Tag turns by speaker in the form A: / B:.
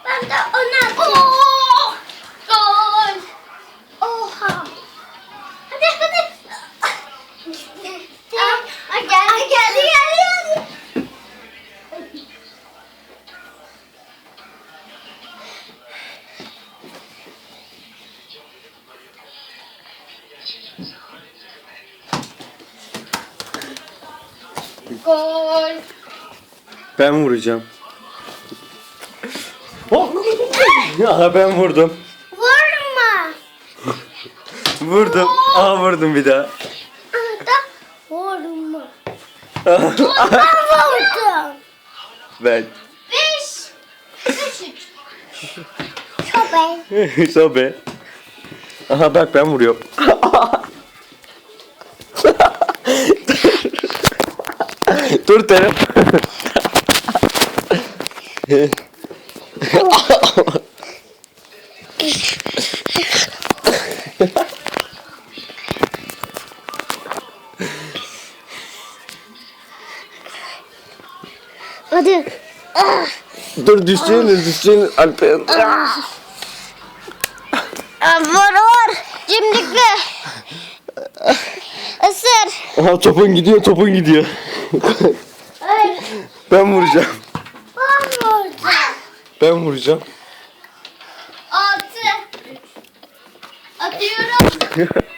A: Ben de onu atacağım.
B: Oh! Gol!
A: Oha. Hadi hadi. Geldi.
B: Gol!
C: Ben vuracağım. Aha ben vurdum.
A: Vurma.
C: Vurdum. Aha vurdum bir daha.
A: Da vurma. Ben vurdum.
C: Ben.
B: 5-3.
A: Köpek.
C: Sobe. Aha bak ben vuruyorum. Dur Terem.
A: Hadi.
C: Dur düşeceğiniz Alper.
A: Vur. Cimrikli. Isır.
C: Aha topun gidiyor.
A: Ay.
C: Ben vuracağım.
A: Ben vurdum.
C: Ben vuracağım.
B: 6. Atıyorum.